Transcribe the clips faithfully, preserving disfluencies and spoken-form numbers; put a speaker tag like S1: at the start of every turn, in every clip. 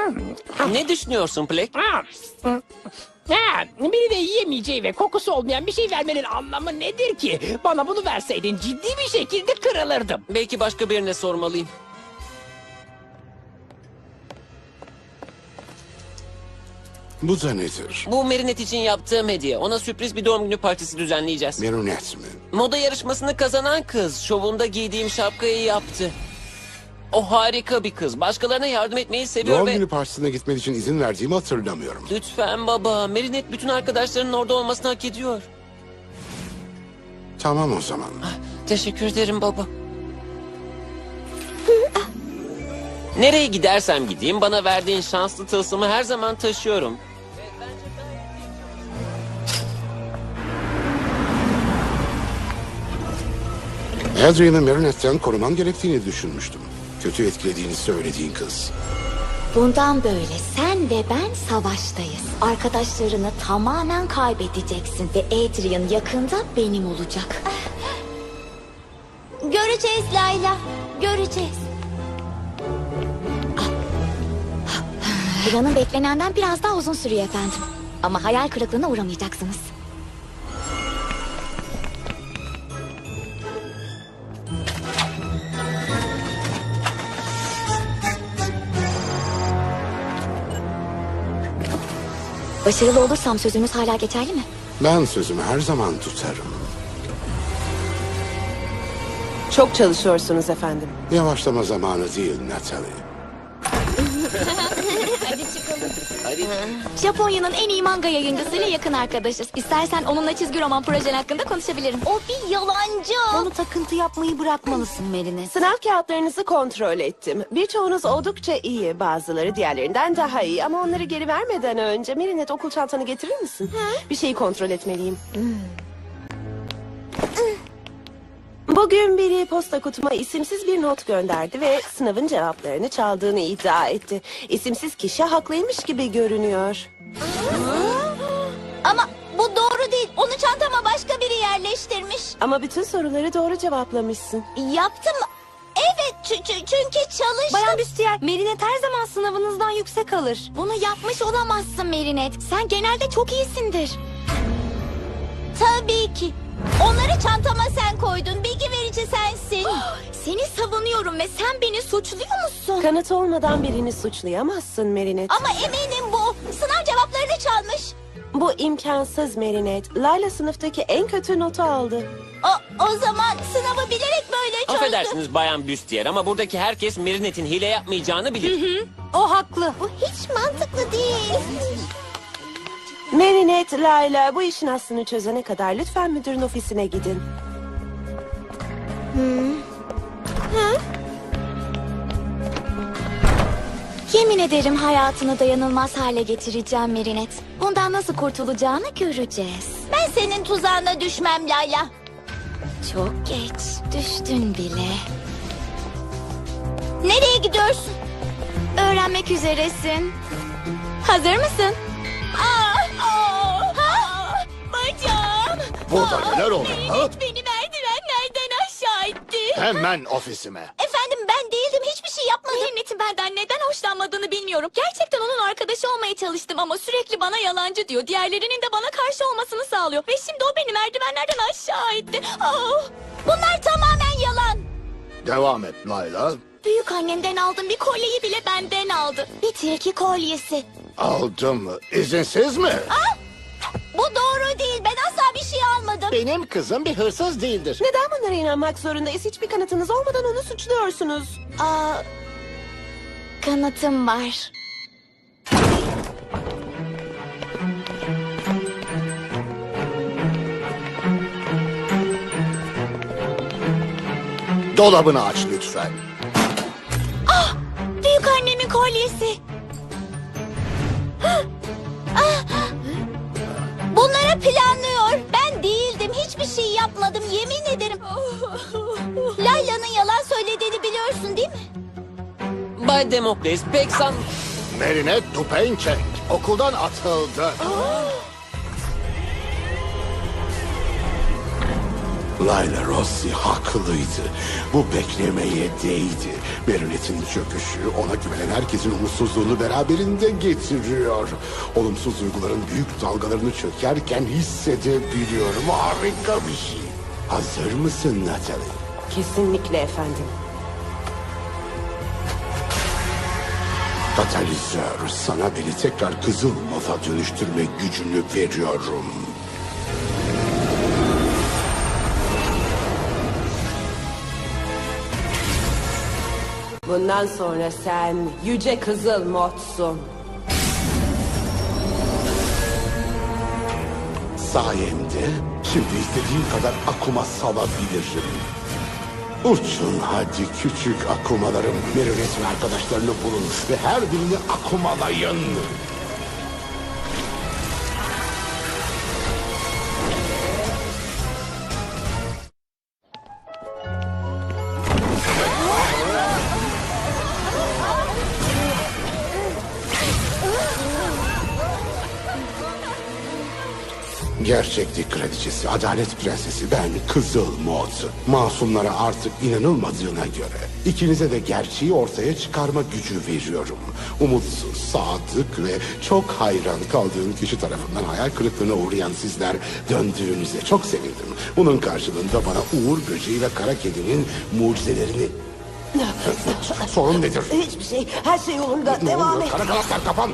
S1: Ne düşünüyorsun Plek?
S2: Ha, ha, biri de yiyemeyeceği ve kokusu olmayan bir şey vermenin anlamı nedir ki? Bana bunu verseydin ciddi bir şekilde kırılırdım.
S1: Belki başka birine sormalıyım.
S3: Bu da nedir?
S1: Bu Merinet için yaptığım hediye. Ona sürpriz bir doğum günü partisi düzenleyeceğiz.
S3: Merunet mi?
S1: Moda yarışmasını kazanan kız şovunda giydiğim şapkayı yaptı. O harika bir kız. Başkalarına yardım etmeyi seviyor
S3: Doğum
S1: ve...
S3: günü partisine gitmen için izin verdiğimi hatırlamıyorum.
S1: Lütfen baba. Merinet bütün arkadaşlarının orada olmasını hak ediyor.
S3: Tamam o zaman.
S1: Teşekkür ederim baba. Nereye gidersem gideyim bana verdiğin şanslı tılsımı her zaman taşıyorum.
S3: Adrian'ı Merunet'ten koruman gerektiğini düşünmüştüm. Kötü etkilediğini söylediğin kız.
S4: Bundan böyle sen ve ben savaştayız. Arkadaşlarını tamamen kaybedeceksin ve Adrian yakında benim olacak. Göreceğiz Layla, göreceğiz. Planın beklenenden biraz daha uzun sürüyor efendim. Ama hayal kırıklığına uğramayacaksınız. Başarılı olursam sözümüz hala geçerli mi?
S3: Ben sözümü her zaman tutarım.
S5: Çok çalışıyorsunuz efendim.
S3: Yavaşlama zamanı değil Natalie.
S1: Hadi.
S4: Japonya'nın en iyi manga yayıncısıyla yakın arkadaşız. İstersen onunla çizgi roman projen hakkında konuşabilirim. O bir yalancı. Onu takıntı yapmayı bırakmalısın Merine.
S5: Sınav kağıtlarınızı kontrol ettim. Birçoğunuz oldukça iyi. Bazıları diğerlerinden daha iyi. Ama onları geri vermeden önce Merinet okul çantanı getirir misin? Bir şeyi kontrol etmeliyim. Bugün biri posta kutuma isimsiz bir not gönderdi ve sınavın cevaplarını çaldığını iddia etti. İsimsiz kişi haklıymış gibi görünüyor.
S4: Ama bu doğru değil. Onu çantama başka biri yerleştirmiş.
S5: Ama bütün soruları doğru cevaplamışsın.
S4: Yaptım. Evet çünkü çalıştım. Bayan Büstiyer, Merinet her zaman sınavınızdan yüksek alır. Bunu yapmış olamazsın Merinet. Sen genelde çok iyisindir. Tabii ki. Onları çantama sen koydun. Bilgi verici sensin. Seni savunuyorum ve sen beni suçluyor musun?
S5: Kanıt olmadan birini suçlayamazsın Merinet.
S4: Ama eminim bu. Sınav cevaplarını çalmış.
S5: Bu imkansız Merinet. Layla sınıftaki en kötü notu aldı.
S4: O, o zaman sınavı bilerek böyle çözdü.
S1: Affedersiniz Bayan Büstiyer ama buradaki herkes Merinet'in hile yapmayacağını bilir.
S4: O haklı. Bu hiç mantıklı değil.
S5: Merinet, Layla bu işin aslını çözene kadar lütfen müdürün ofisine gidin.
S4: Yemin ederim hayatını dayanılmaz hale getireceğim Merinet. Bundan nasıl kurtulacağını göreceğiz. Ben senin tuzağına düşmem Layla. Çok geç. Düştün bile. Nereye gidiyorsun? Öğrenmek üzeresin. Hazır mısın? Aa, aa, ha? Bacağım.
S6: Burada neler oldu? ha?
S4: Beni merdivenlerden aşağı itti.
S6: Hemen ofisime.
S4: Efendim ben değildim, hiçbir şey yapmadım. Merinet'in benden neden hoşlanmadığını bilmiyorum. Gerçekten onun arkadaşı olmaya çalıştım ama sürekli bana yalancı diyor. Diğerlerinin de bana karşı olmasını sağlıyor. Ve şimdi o beni merdivenlerden aşağı itti. Oh, bunlar tamamen yalan.
S6: Devam et Layla.
S4: Büyük annemden aldığım bir kolyeyi bile benden aldı. Bir tilki kolyesi.
S6: Aldım mı? İzinsiz mi?
S4: Bu doğru değil, ben asla bir şey almadım.
S6: Benim kızım bir hırsız değildir.
S5: Neden bunlara inanmak zorundayız? Hiçbir kanıtınız olmadan onu suçluyorsunuz.
S4: Aa, kanıtım var.
S6: Dolabını aç lütfen.
S4: Büyük annemin kolyesi. Bunları planlıyor. Ben değildim. Hiçbir şey yapmadım. Yemin ederim. Layla'nın yalan söylediğini biliyorsun değil mi?
S1: Bay Demokles pek san...
S6: Merinet Dupençek okuldan atıldı.
S3: Layla Rossi haklıydı. Bu beklemeye değdi. Marionette'in çöküşü ona güvenen herkesin umutsuzluğunu beraberinde getiriyor. Olumsuz duyguların büyük dalgalarını çökerken hissedebiliyorum. Harika bir şey. Hazır mısın Natalie?
S5: Kesinlikle efendim.
S3: Katalizör, sana beni tekrar kızıl moda dönüştürme gücünü veriyorum.
S5: Bundan sonra sen yüce kızıl modsun.
S3: Sayemde şimdi istediğin kadar akuma salabilirim. Uçun hadi küçük akumalarım. Marionette ve arkadaşlarını bulun ve her birini akumalayın. Gerçeklik kraliçesi, adalet prensesi, ben Kızıl Mod. Masumlara artık inanılmadığına göre ikinize de gerçeği ortaya çıkarma gücü veriyorum. Umutsuz, sadık ve çok hayran kaldığım kişi tarafından hayal kırıklığına uğrayan sizler döndüğünüze çok sevindim. Bunun karşılığında bana Uğur Böceği ve Kara Kedi'nin mucizelerini... Sorun nedir?
S5: Hiçbir şey, her şey yolunda.
S3: Ne
S5: Devam
S3: oluyor?
S5: et.
S3: Kara kanatlar kapan!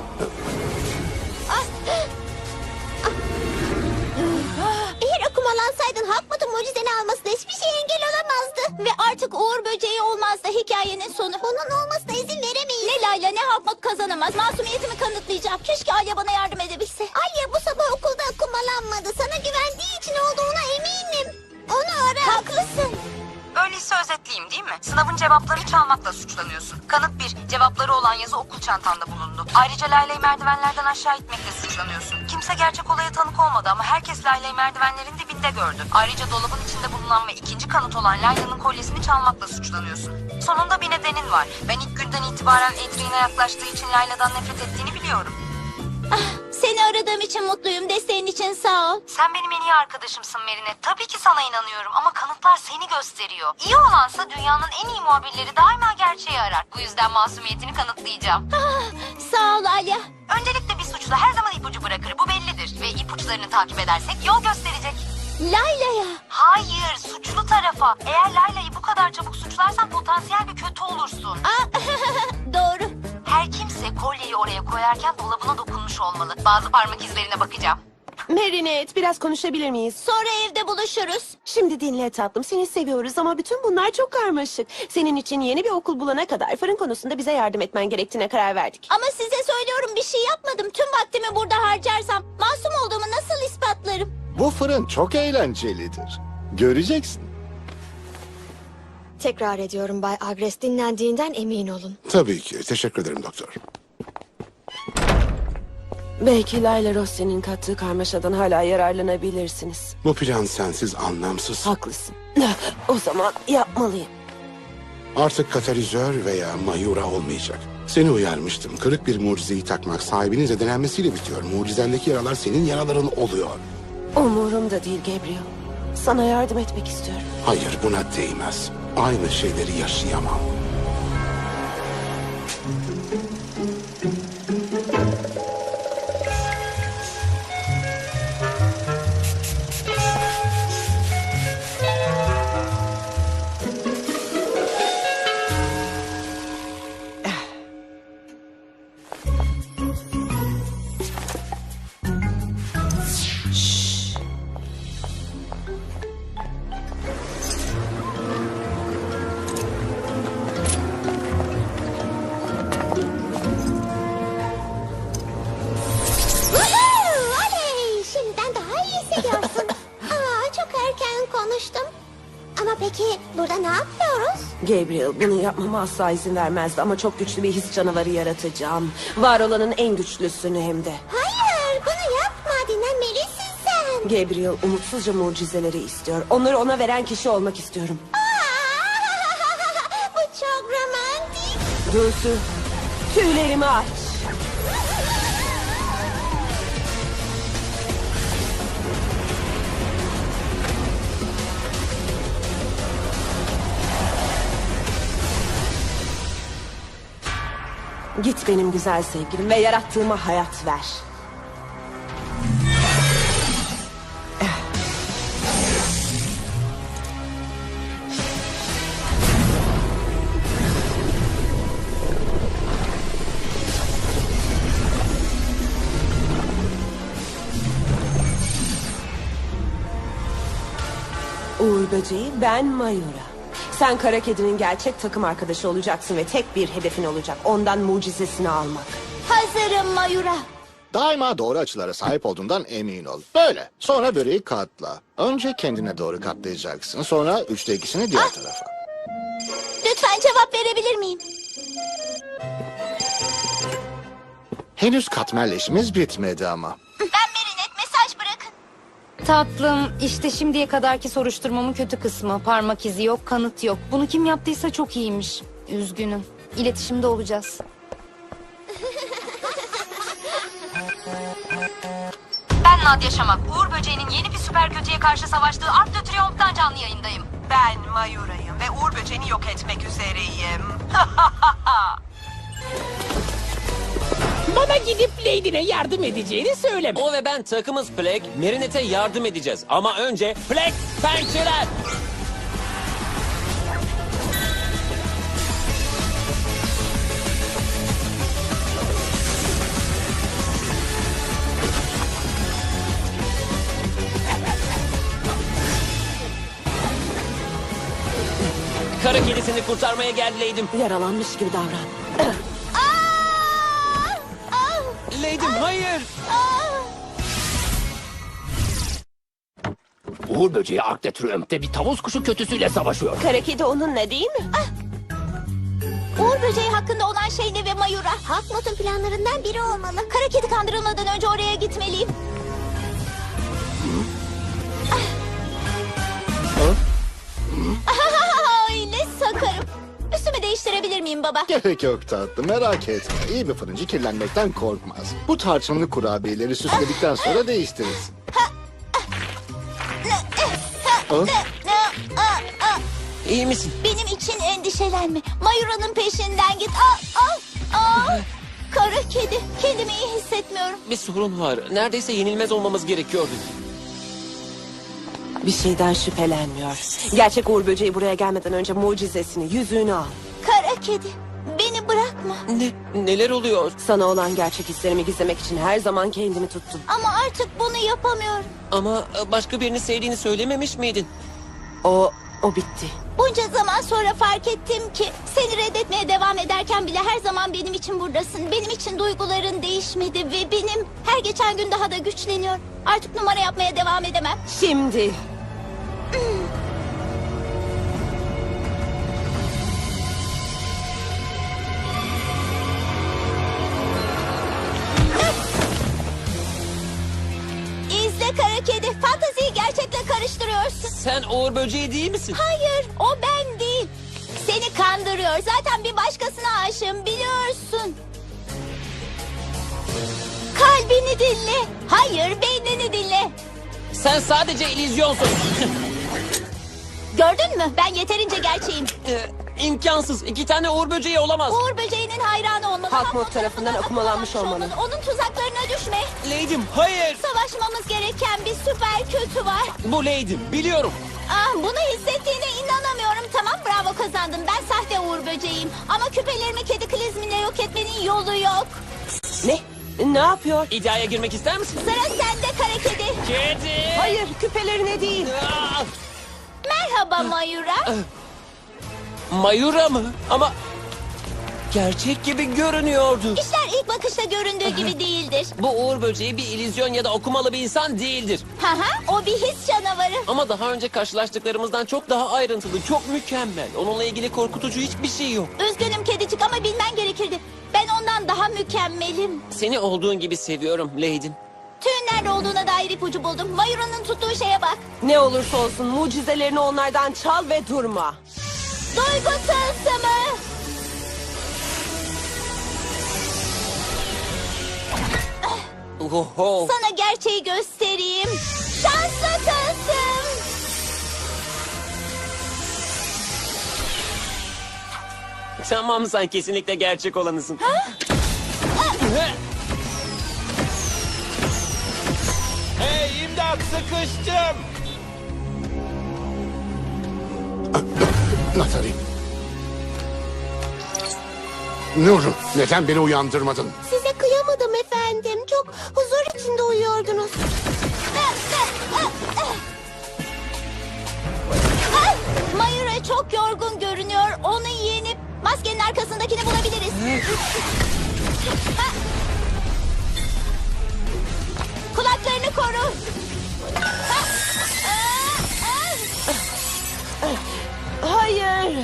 S4: Eğer akumalansaydın Hakmat'ın mucizeni almasına hiçbir şey engel olamazdı. Ve artık Uğur Böceği olmazdı hikayenin sonu. Onun olmasına izin veremeyiz. Ne Layla ne Hakmat kazanamaz. Masumiyetimi kanıtlayacağım. Keşke Alya bana yardım edebilse. Alya bu sabah okulda akumalanmadı. Sana güvendiği için olduğuna eminim. Onu ara. Haklısın.
S7: Öyleyse özetleyeyim değil mi? Sınavın cevaplarını çalmakla suçlanıyorsun. Kanıt bir, cevapları olan yazı okul çantanda bulundu. Ayrıca Layla'yı merdivenlerden aşağı itmekle suçlanıyorsun. Kimse gerçek olaya tanık olmadı ama herkes Layla'yı merdivenlerin dibinde gördü. Ayrıca dolabın içinde bulunan ve ikinci kanıt olan Layla'nın kolyesini çalmakla suçlanıyorsun. Sonunda bir nedenin var. Ben ilk günden itibaren Adrian'a yaklaştığı için Layla'dan nefret ettiğini biliyorum.
S4: Seni aradığım için mutluyum. Desteğin için sağ ol.
S7: Sen benim en iyi arkadaşımsın Merine. Tabii ki sana inanıyorum ama kanıtlar seni gösteriyor. İyi olansa dünyanın en iyi muhabirleri daima gerçeği arar. Bu yüzden masumiyetini kanıtlayacağım.
S4: Ah, sağ ol Alya.
S7: Öncelikle bir suçlu her zaman ipucu bırakır. Bu bellidir. Ve ipuçlarını takip edersek yol gösterecek.
S4: Layla'ya.
S7: Hayır, suçlu tarafa. Eğer Layla'yı bu kadar çabuk suçlarsan potansiyel bir kötü olursun.
S4: Aa, doğru.
S7: Her kimse kolyeyi oraya koyarken dolabına dokunmuş olmalı. Bazı parmak izlerine bakacağım.
S5: Marinette, biraz konuşabilir miyiz?
S4: Sonra evde buluşuruz.
S5: Şimdi dinle tatlım, seni seviyoruz ama bütün bunlar çok karmaşık. Senin için yeni bir okul bulana kadar fırın konusunda bize yardım etmen gerektiğine karar verdik.
S4: Ama size söylüyorum bir şey yapmadım. Tüm vaktimi burada harcarsam masum olduğumu nasıl ispatlarım?
S6: Bu fırın çok eğlencelidir. Göreceksin.
S4: Tekrar ediyorum Bay Agres, dinlendiğinden emin olun.
S3: Tabii ki. Teşekkür ederim doktor.
S5: Belki Layla Rossi'nin kattığı karmaşadan hala yararlanabilirsiniz.
S3: Bu plan sensiz anlamsız.
S5: Haklısın. O zaman yapmalıyım.
S3: Artık katalizör veya mayura olmayacak. Seni uyarmıştım. Kırık bir mucizeyi takmak sahibinin zedelenmesiyle bitiyor. Mucizendeki yaralar senin yaraların oluyor.
S5: Umurumda değil Gabriel. Sana yardım etmek istiyorum.
S3: Hayır, buna değmez. Aynı şeyleri yaşayamam.
S4: Woohoo! Oley! Şimdiden daha iyi hissediyorsun. Aa, çok erken konuştum. Ama peki burada ne yapıyoruz?
S5: Gabriel, bunu yapmama asla izin vermezdi ama çok güçlü bir his canavarı yaratacağım. Var olanın en güçlüsünü hem de.
S4: Hayır, bunu yapma. Dinlenmelisin sen.
S5: Gabriel umutsuzca mucizeleri istiyor. Onları ona veren kişi olmak istiyorum.
S4: Aa, bu çok romantik.
S5: Dulsu, tüylerimi aç. Git benim güzel sevgilim ve yarattığıma hayat ver. Uğur Böceği, ben Mayura. Sen Kara Kedi'nin gerçek takım arkadaşı olacaksın ve tek bir hedefin olacak. Ondan mucizesini almak.
S4: Hazırım Mayura.
S6: Daima doğru açılara sahip olduğundan emin ol. Böyle. Sonra böreği katla. Önce kendine doğru katlayacaksın. Sonra üçte ikisini diğer tarafa.
S4: Lütfen cevap verebilir miyim?
S6: Henüz katmerle işimiz bitmedi ama.
S4: Ben Merinet, mesaj bırakın.
S7: Tatlım, işte şimdiye kadarki soruşturmamın kötü kısmı. Parmak izi yok, kanıt yok. Bunu kim yaptıysa çok iyiymiş. Üzgünüm. İletişimde olacağız. Ben Nadia Şamak. Uğur Böceği'nin yeni bir süper kötüye karşı savaştığı Art de Triomphe'dan canlı yayındayım.
S8: Ben Mayura'yım ve Uğur Böceği'ni yok etmek üzereyim.
S2: Bana gidip Lady'ne yardım edeceğini söyleme.
S1: O ve ben takımız Plague, Marinette'e yardım edeceğiz. Ama önce Plague pençeler. Kara kedisini kurtarmaya geldim.
S5: Yaralanmış gibi davran.
S1: Lady'm hayır.
S2: Uğur Böceği Ark de Triomphe'de bir tavus kuşu kötüsüyle savaşıyor.
S5: Kara Kedi onunla değil mi?
S4: Uğur Böceği hakkında olan şey ne ve Mayura? Hakmut'un planlarından biri olmalı. Kara Kedi kandırılmadan önce oraya gitmeliyim. Ay ne sakarım. Üstümü değiştirebilir miyim baba?
S6: Gerek yok tatlım, merak etme. İyi bir fırıncı kirlenmekten korkmaz. Bu tarçınlı kurabiyeleri süsledikten sonra değiştirirsin. Ha?
S1: İyi misin?
S4: Benim için endişelenme. Mayura'nın peşinden git. Aa, aa, aa. Kara kedi. Kendimi iyi hissetmiyorum.
S1: Bir sorun var. Neredeyse yenilmez olmamız gerekiyordu.
S5: Bir şeyden şüphelenmiyor. Gerçek Uğur Böceği buraya gelmeden önce mucizesini, yüzüğünü al.
S4: Kara kedi. Beni bırakma.
S1: Ne? Neler oluyor?
S5: Sana olan gerçek hislerimi gizlemek için her zaman kendimi tuttum.
S4: Ama artık bunu yapamıyorum.
S1: Ama başka birini sevdiğini söylememiş miydin?
S5: O, o bitti.
S4: Bunca zaman sonra fark ettim ki seni reddetmeye devam ederken bile her zaman benim için buradasın. Benim için duyguların değişmedi ve benim her geçen gün daha da güçleniyor. Artık numara yapmaya devam edemem.
S5: Şimdi.
S4: İzle kara kedi. Fantaziyi gerçekle karıştırıyorsun.
S1: Sen Uğur Böceği değil misin?
S4: Hayır, o ben değil. Seni kandırıyor. Zaten bir başkasına aşığım, biliyorsun. Kalbini dinle. Hayır, beynini dinle.
S1: Sen sadece illüzyonsun.
S4: Gördün mü? Ben yeterince gerçeğim.
S1: Ee, imkansız. İki tane Uğur Böceği olamaz.
S4: Uğur Böceği'nin hayranı olmalı.
S5: Hakmut tarafından okumalanmış olmalı.
S4: Onun tuzaklarına düşme.
S1: Lady'm hayır.
S4: Savaşmamız gereken bir süper kötü var.
S1: Bu Lady'm biliyorum.
S4: Ah, bunu hissettiğine inanamıyorum. Tamam, bravo, kazandın. Ben sahte Uğur Böceğiyim. Ama küpelerimi kedi klizminle yok etmenin yolu yok.
S5: Ne? Ne yapıyor?
S1: İddiaya girmek ister misin?
S4: Sıra sende kara kedi.
S1: Kedi.
S5: Hayır, küpelerine değil.
S1: Aa!
S4: Merhaba Mayura.
S1: Mayura mı? Ama gerçek gibi görünüyordu.
S4: İşler ilk bakışta göründüğü gibi değildir.
S1: Bu Uğur Böceği bir illüzyon ya da okumalı bir insan değildir.
S4: Haha, o bir his canavarı.
S1: Ama daha önce karşılaştıklarımızdan çok daha ayrıntılı, çok mükemmel. Onunla ilgili korkutucu hiçbir şey yok.
S4: Üzgünüm kedicik ama bilmen gerekirdi. Ben ondan daha mükemmelim.
S1: Seni olduğun gibi seviyorum Lady'm.
S4: Tüyün nerede olduğuna dair ipucu buldum. Mayura'nın tuttuğu şeye bak.
S5: Ne olursa olsun mucizelerini onlardan çal ve durma.
S4: Duygu tılsımı.
S1: Oho.
S4: Sana gerçeği göstereyim. Şanslı tılsım.
S1: Tamam, sen kesinlikle gerçek olanısın.
S9: Hey imdat, sıkıştım.
S3: Natalie. Nuru, neden beni uyandırmadın?
S5: Size kıyamadım efendim. Çok huzur içinde uyuyordunuz.
S4: Mayura çok yorgun görünüyor. Onu yenip maskenin arkasındakini bulabiliriz. Kulaklarını koru.
S5: Hayır.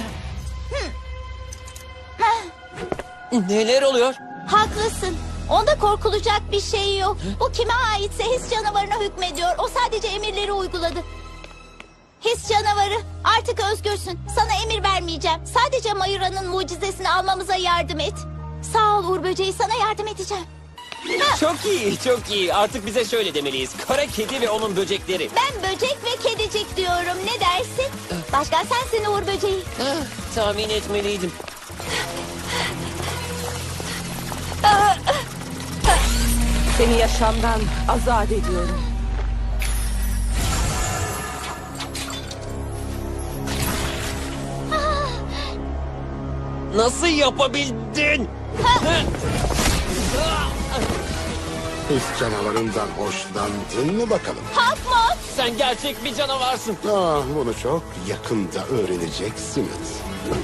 S1: Neler oluyor?
S4: Haklısın. Onda korkulacak bir şey yok. Bu kime aitse his canavarına hükmediyor. O sadece emirleri uyguladı. His canavarı, artık özgürsün. Sana emir vermeyeceğim. Sadece Mayura'nın mucizesini almamıza yardım et. Sağ ol Uğur Böceği, sana yardım edeceğim.
S1: Çok iyi, çok iyi. Artık bize şöyle demeliyiz. Kara kedi ve onun böcekleri.
S4: Ben böcek ve kedicik diyorum. Ne dersin? Başkan sensin Uğur Böceği.
S1: Ah, tahmin etmeliydim.
S5: Seni yaşamdan azat ediyorum.
S1: Nasıl yapabildin?
S3: His canavarından hoşlandın mı bakalım?
S4: Hakmot.
S1: Sen gerçek bir canavarsın.
S3: Ah, bunu çok yakında öğreneceksiniz.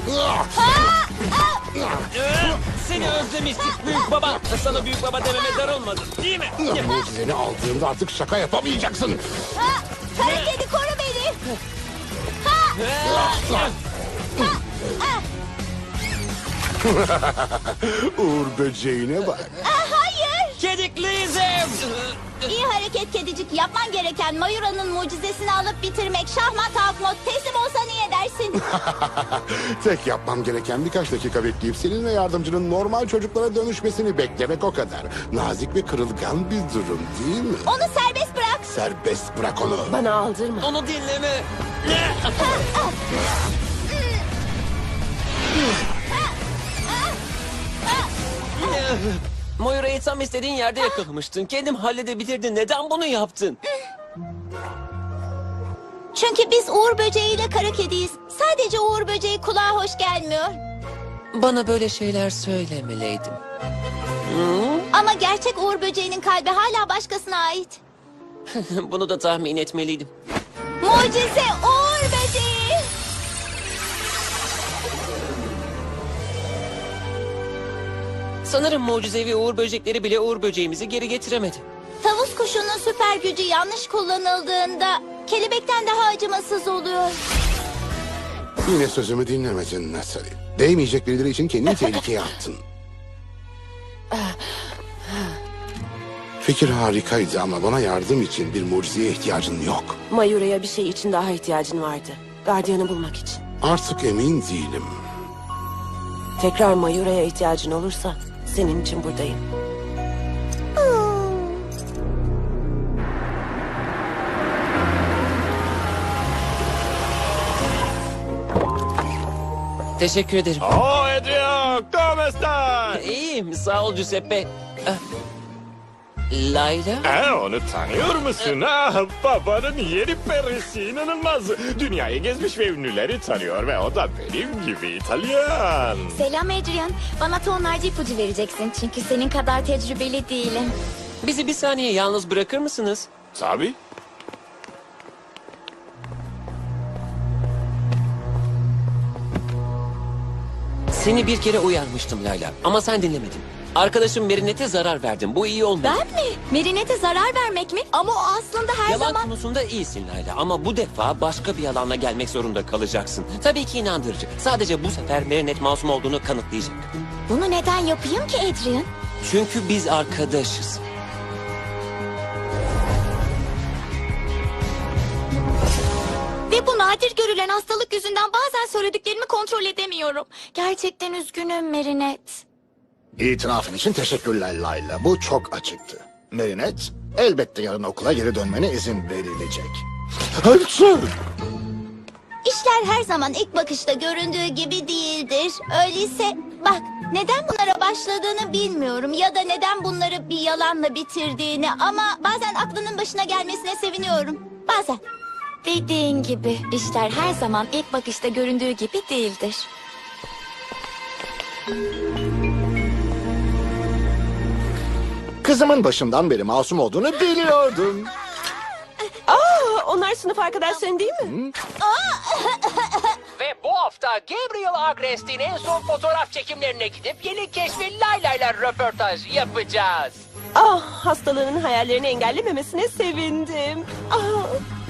S1: Seni özlemiştik büyük baba. Sana büyük baba dememe darılmadın değil mi?
S3: Mucizeni aldığında artık şaka yapamayacaksın.
S4: Ha, kara kedi koru beni.
S3: Uğur böceğine bak.
S4: Ah, hayır.
S1: Kedikliyizim.
S4: İyi hareket kedicik. Yapman gereken Mayura'nın mucizesini alıp bitirmek. Şahmat Hakmot, teslim olsa iyi edersin.
S3: Tek yapmam gereken birkaç dakika bekleyip senin ve yardımcının normal çocuklara dönüşmesini beklemek o kadar. Nazik ve kırılgan bir durum değil mi?
S4: Onu serbest bırak.
S3: Serbest bırak onu.
S5: Bana aldırma.
S1: Onu dinleme. Moira'yı tam istediğin yerde yakalamıştın. Kendim halledebilirdin. Neden bunu yaptın?
S4: Çünkü biz Uğur Böceği ile kara kediyiz. Sadece Uğur Böceği kulağa hoş gelmiyor.
S1: Bana böyle şeyler söylemeliydim.
S4: Ama gerçek Uğur Böceği'nin kalbi hala başkasına ait.
S1: Bunu da tahmin etmeliydim.
S4: Mucize Uğur Böceği.
S1: Sanırım mucizevi uğur böcekleri bile uğur böceğimizi geri getiremedi.
S4: Tavus kuşunun süper gücü yanlış kullanıldığında kelebekten daha acımasız oluyor.
S3: Yine sözümü dinlemedin Natalie. Değmeyecek birileri için kendini tehlikeye attın. Fikir harikaydı ama bana yardım için bir mucizeye ihtiyacın yok.
S5: Mayura'ya bir şey için daha ihtiyacın vardı. Gardiyanı bulmak için.
S3: Artık emin değilim.
S5: Tekrar Mayura'ya ihtiyacın olursa senin için buradayım.
S1: Teşekkür ederim.
S9: Oh Adrian, ¿cómo estás?
S1: İyiyim, sağ ol Giuseppe. Ah, Layla?
S9: Ha, onu tanıyor musun? Ah, babanın yeni perisi inanılmaz. Dünyayı gezmiş ve ünlüleri tanıyor ve o da benim gibi İtalyan.
S4: Selam Adrian. Bana tonlarca ipucu vereceksin çünkü senin kadar tecrübeli değilim.
S1: Bizi bir saniye yalnız bırakır mısınız?
S9: Tabii.
S1: Seni bir kere uyarmıştım Layla ama sen dinlemedin. Arkadaşım Merinet'e zarar verdin. Bu iyi olmadı.
S4: Ben mi? Merinet'e zarar vermek mi? Ama o aslında her
S1: Yalan
S4: zaman...
S1: konusunda iyisin Layla ama bu defa başka bir yalanla gelmek zorunda kalacaksın. Tabii ki inandırıcı. Sadece bu sefer Merinet masum olduğunu kanıtlayacak.
S4: Bunu neden yapayım ki Adrian?
S1: Çünkü biz arkadaşız.
S4: Ve bu nadir görülen hastalık yüzünden bazen söylediklerimi kontrol edemiyorum. Gerçekten üzgünüm Merinet.
S6: İtirafın için teşekkürler Layla. Bu çok açıktı. Merinet, elbette yarın okula geri dönmene izin verilecek. Hırsız!
S4: İşler her zaman ilk bakışta göründüğü gibi değildir. Öyleyse bak, neden bunlara başladığını bilmiyorum ya da neden bunları bir yalanla bitirdiğini, ama bazen aklının başına gelmesine seviniyorum. Bazen. Dediğin gibi işler her zaman ilk bakışta göründüğü gibi değildir.
S6: Kızımın başından beri masum olduğunu biliyordum.
S5: Aa, onlar sınıf arkadaşların değil mi?
S2: Ve bu hafta Gabriel Agrest'in en son fotoğraf çekimlerine gidip yeni keşfi Layla'yla röportaj yapacağız.
S5: Ah, hastalığının hayallerini engellememesine sevindim. Ah,